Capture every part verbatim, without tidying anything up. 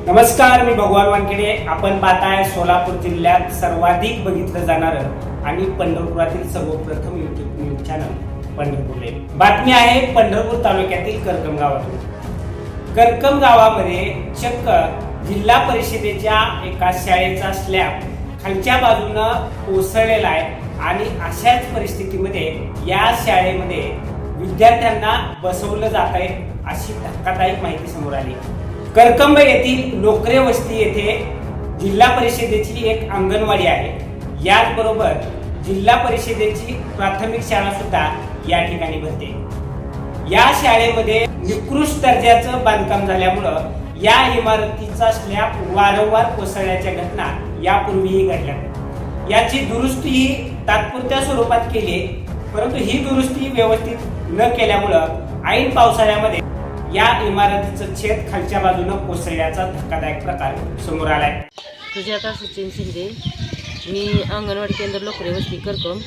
नमस्कार, मी भगवान वानखेडे. आपण पाहताय सोलापूर जिल्ह्यात सर्वाधिक बघितलं जाणारं आणि पंढरपुरातील सर्वप्रथम YouTube news channel Pandharpur live. बातमी आहे पंढरपूर तालुक्यातील करकम गावातून. करकम गावामध्ये चक्क जिल्हा परिषदेच्या एका शाळेचा स्लॅब खालच्या बाजूनं कोसळलेला आहे आणि अशाच परिस्थितीमध्ये या शाळेमध्ये विद्यार्थ्यांना बसवलं जात आहे अशी धक्कादायक माहिती समोर आली. करकंब येथील नोकरे वस्ती येथे जिल्हा परिषदेची एक अंगणवाडी आहे. याचबरोबर जिल्हा परिषदेची प्राथमिक शाळा सुद्धा या ठिकाणी भरते. या शाळेमध्ये निकृष्ट दर्जाचं बांधकाम झाल्यामुळं या इमारतीचा स्लॅब वारंवार कोसळण्याच्या घटना यापूर्वीही घडल्या. याची दुरुस्ती ही तात्पुरत्या स्वरूपात केली, परंतु ही दुरुस्ती व्यवस्थित न केल्यामुळं ऐन पावसाळ्यामध्ये या इमारतीचं छेद खालच्या बाजूनं कोसळल्याचा धक्कादायक प्रकार समोर आलाय. सुजाता सचिन शिंदे, मी अंगणवाडी केंद्र लोकरे वस्ती करकम.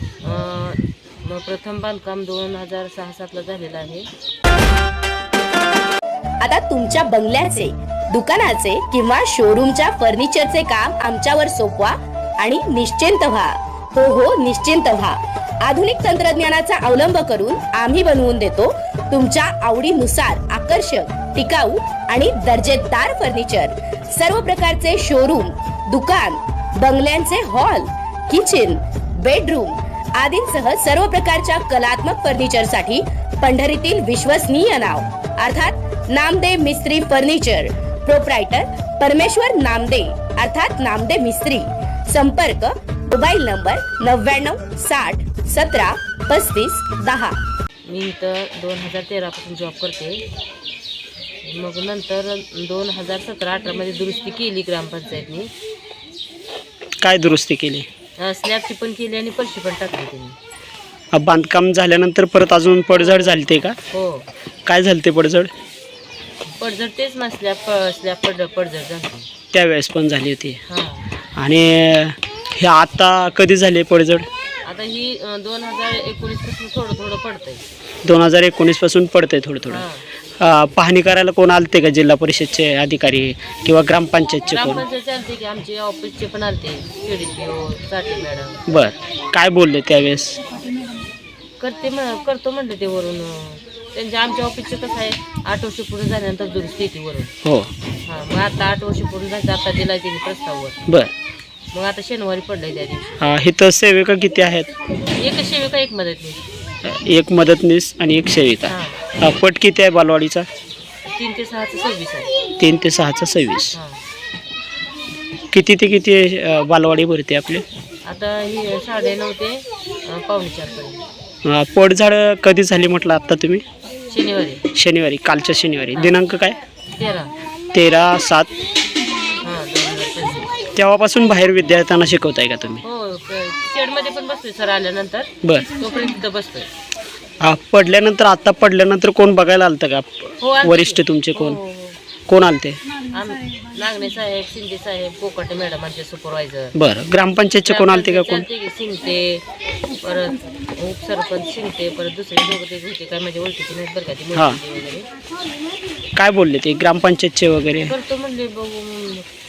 प्रथम बांधकाम दोन हजार सहा सातला झालेलं आहे. आता तुमच्या बंगल्याचे, दुकानाचे किंवा शोरूमच्या फर्निचरचे काम आमच्यावर सोपवा आणि निश्चिंत व्हा. हो हो निश्चिंत व्हा. आधुनिक तंत्रज्ञानाचा अवलंब करून आम्ही बनवून देतो तुमच्या आवडीनुसार आकर्षक, टिकाऊ आणि दर्जेदार फर्निचर. सर्व प्रकारचे शोरूम, दुकान, बंगल्यांचे हॉल, किचन, बेडरूम आदींसह सर्व प्रकारच्या कलात्मक फर्निचरसाठी पंढरीतील विश्वसनीय नाव अर्थात नामदे मिस्त्री फर्निचर. प्रोप्रायटर परमेश्वर नामदे अर्थात नामदे मिस्त्री. संपर्क मोबाईल नंबर नव्याण्णव साठ सतरा पस्तीस दहा. मी इथं दोन हजार तेरापासून जॉब करते. मग नंतर दोन हजार सतरा अठरामध्ये दुरुस्ती केली ग्रामपंचायतनी. काय दुरुस्ती केली? स्लॅबची पण केली आणि पलशी पण टाकली त्यांनी. बांधकाम झाल्यानंतर परत अजून पडझड झाली ते का? हो. काय झालं ते पडझड? पडझड तेच ना, स्लॅब स्लॅब पड पडझड झाली त्यावेळेस पण झाली होती. हां. आणि हे आता कधी झाले पडझड? आता ही दोन हजार एकोणीस पासून थोडं थोडं पडतंय. दोन हजार एकोणीस पासून पडतंय थोडं थोडं. हां. पाहणी करायला कोण आलते का? जिल्हा परिषदचे अधिकारी किंवा ग्रामपंचायतचे कोण? ग्रामपंचायतचे आलते की, आमचे ऑफिसचे पण आलते, सीडीपीओ साठी मॅडम. बर, काय बोलले त्यावेळेस? करते म्हण करतो म्हणले ते वरून. त्यांच्या आमच्या ऑफिसचे कसं आहे, आठ वर्ष पूर्ण झाल्यानंतर दुरुस्ती येते वरून. हो. हां, मग आता आठ वर्ष पूर्ण झाले, आता दिला त्यांनी प्रस्ताववर. बर. मग आता शनिवारी पडलंय त्या दिवशी. हा, इथं सेविका किती आहेत? एक सेविका, एक मदतनीस. एक मदतनीस आणि एक सेविका. हां. पट किती आहे बालवाडीचा? तीन ते सहाचं सव्वीस आहे. तीन ते सहाचा सव्वीस. हां. किती ते किती अ, बालवाडी भरते आपली? आता ही साडे नऊ ते अं, पावणे चारपर्यंत. अ, पडझड कधी झाली म्हटलं आत्ता तुम्ही? शनिवारी. शनिवारी, कालच्या शनिवारी. दिनांक काय? तेरा. तेरा सात. हां, दोन हजार पंचवीस. तेव्हापासून बाहेर विद्यार्थ्यांना शिकवताय का तुम्ही? हो, शेडमध्ये पण बसतोय सर आल्यानंतर. बर. तोपर्यंत तिथं बसतोय. हा, पडल्यानंतर, आता पडल्यानंतर कोण बघायला आलतं का? हो, आलते. वरिष्ठ तुमचे कोण? हो, हो, हो. कोण आलते? आम नागणे साहेब, शिंदे साहेब, कोकटे मॅडम आमचे सुपरवायझर. बरं. ग्रामपंचायतचे कोण आलते का? कोण? शिंगते, परत उपसरपंच शिंगते, परत दुसरे दोघं ते होते, काय माझ्या ओळखीचे नाहीत बरं का ते हां. वगैरे. काय बोलले ते ग्रामपंचायतचे वगैरे? करतो म्हणले, बघू म्हणले.